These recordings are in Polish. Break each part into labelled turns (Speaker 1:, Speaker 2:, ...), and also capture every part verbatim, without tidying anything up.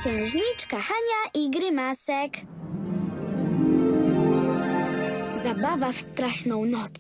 Speaker 1: Księżniczka Hania i Grymasek. Zabawa w straszną noc.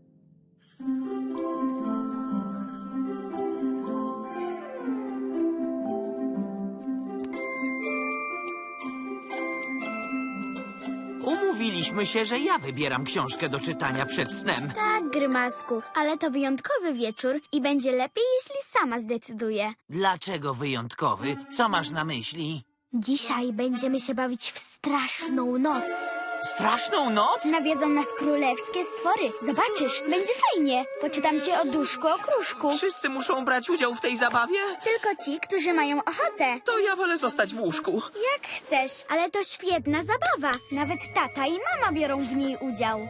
Speaker 2: Umówiliśmy się, że ja wybieram książkę do czytania przed snem.
Speaker 1: Tak, Grymasku, ale to wyjątkowy wieczór i będzie lepiej, jeśli sama zdecyduję.
Speaker 2: Dlaczego wyjątkowy? Co masz na myśli?
Speaker 1: Dzisiaj będziemy się bawić w straszną noc.
Speaker 2: Straszną noc?
Speaker 1: Nawiedzą nas królewskie stwory. Zobaczysz, będzie fajnie. Poczytam ci o duszku okruszku.
Speaker 2: Wszyscy muszą brać udział w tej zabawie?
Speaker 1: Tylko ci, którzy mają ochotę.
Speaker 2: To ja wolę zostać w łóżku.
Speaker 1: Jak chcesz, ale to świetna zabawa. Nawet tata i mama biorą w niej udział.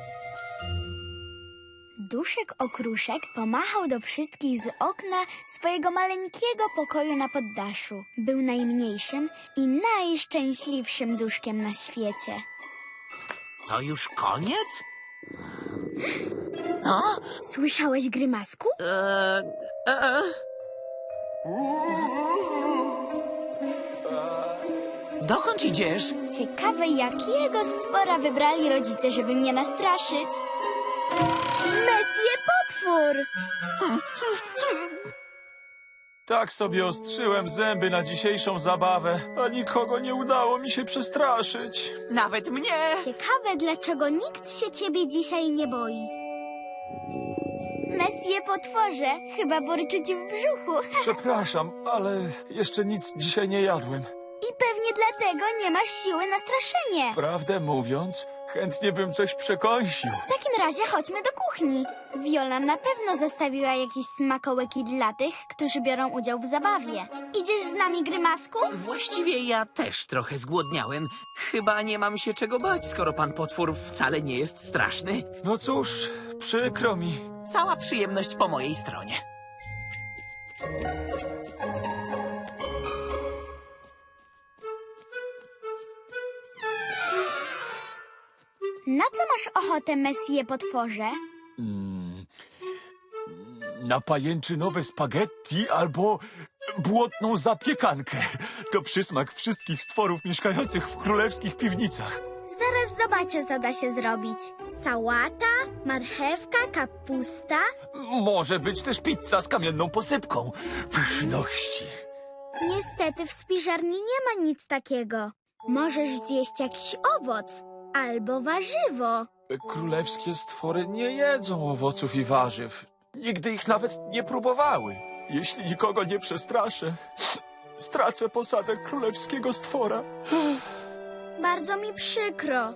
Speaker 1: Duszek okruszek pomachał do wszystkich z okna swojego maleńkiego pokoju na poddaszu. Był najmniejszym i najszczęśliwszym duszkiem na świecie.
Speaker 2: To już koniec? No?
Speaker 1: Słyszałeś, Grymasku?
Speaker 2: Eee, e, Dokąd idziesz?
Speaker 1: Ciekawe, jakiego stwora wybrali rodzice, żeby mnie nastraszyć. Messie potwór!
Speaker 3: Tak sobie ostrzyłem zęby na dzisiejszą zabawę, a nikogo nie udało mi się przestraszyć.
Speaker 2: Nawet mnie!
Speaker 1: Ciekawe, dlaczego nikt się ciebie dzisiaj nie boi. Messie potworze, chyba burczy ci w brzuchu.
Speaker 3: Przepraszam, ale jeszcze nic dzisiaj nie jadłem.
Speaker 1: I pewnie dlatego nie masz siły na straszenie.
Speaker 3: Prawdę mówiąc, chętnie bym coś przekąsił.
Speaker 1: W takim razie chodźmy do kuchni. Viola na pewno zostawiła jakieś smakołyki dla tych, którzy biorą udział w zabawie. Idziesz z nami, Grymasku?
Speaker 2: Właściwie ja też trochę zgłodniałem. Chyba nie mam się czego bać, skoro pan potwór wcale nie jest straszny.
Speaker 3: No cóż, przykro mi.
Speaker 2: Cała przyjemność po mojej stronie.
Speaker 1: Na co masz ochotę, Messie potworze?
Speaker 3: Mm, na pajęczynowe spaghetti albo błotną zapiekankę. To przysmak wszystkich stworów mieszkających w królewskich piwnicach.
Speaker 1: Zaraz zobaczę, co da się zrobić. Sałata, marchewka, kapusta.
Speaker 3: Może być też pizza z kamienną posypką. Pyszności.
Speaker 1: Niestety w spiżarni nie ma nic takiego. Możesz zjeść jakiś owoc albo warzywo.
Speaker 3: Królewskie stwory nie jedzą owoców i warzyw. Nigdy ich nawet nie próbowały. Jeśli nikogo nie przestraszę, stracę posadę królewskiego stwora.
Speaker 1: Bardzo mi przykro.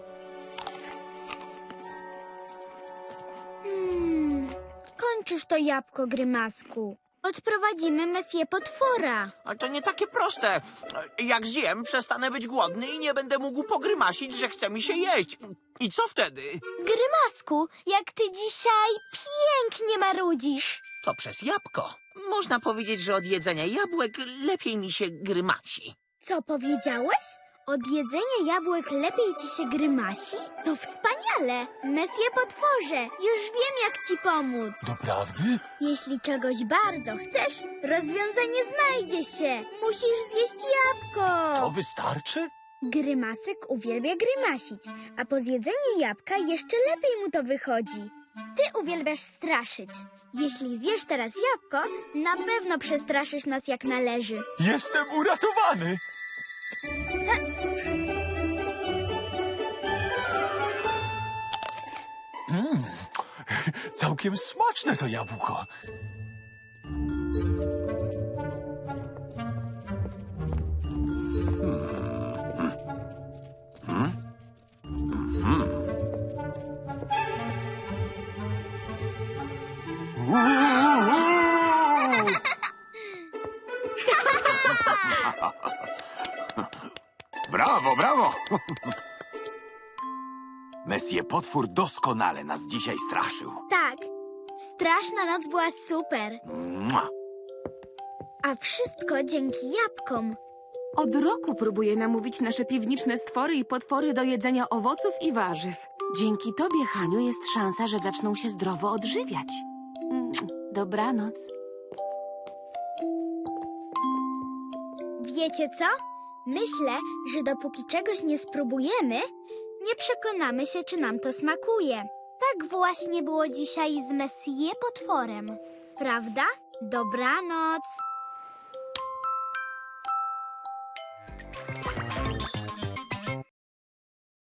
Speaker 1: Hmm, kończ już to jabłko, Grymasku. Odprowadzimy Messie potwora.
Speaker 2: Ale to nie takie proste. Jak zjem, przestanę być głodny i nie będę mógł pogrymasić, że chce mi się jeść. I co wtedy?
Speaker 1: Grymasku, jak ty dzisiaj pięknie marudzisz.
Speaker 2: To przez jabłko. Można powiedzieć, że od jedzenia jabłek lepiej mi się grymasi.
Speaker 1: Co powiedziałeś? Od jedzenia jabłek lepiej ci się grymasi? To wspaniale! Messie potworze, już wiem, jak ci pomóc.
Speaker 3: Doprawdy?
Speaker 1: Jeśli czegoś bardzo chcesz, rozwiązanie znajdzie się. Musisz zjeść jabłko.
Speaker 3: To wystarczy?
Speaker 1: Grymasek uwielbia grymasić, a po zjedzeniu jabłka jeszcze lepiej mu to wychodzi. Ty uwielbiasz straszyć. Jeśli zjesz teraz jabłko, na pewno przestraszysz nas jak należy.
Speaker 3: Jestem uratowany! Mm, całkiem smaczne to jabłko.
Speaker 4: Brawo, brawo! Messie potwór doskonale nas dzisiaj straszył.
Speaker 1: Tak, straszna noc była super.
Speaker 4: Mua.
Speaker 1: A wszystko dzięki jabłkom.
Speaker 5: Od roku próbuję namówić nasze piwniczne stwory i potwory do jedzenia owoców i warzyw. Dzięki tobie, Haniu, jest szansa, że zaczną się zdrowo odżywiać. Mm, Dobranoc.
Speaker 1: Wiecie co? Myślę, że dopóki czegoś nie spróbujemy, nie przekonamy się, czy nam to smakuje. Tak właśnie było dzisiaj z Messie potworem. Prawda? Dobranoc.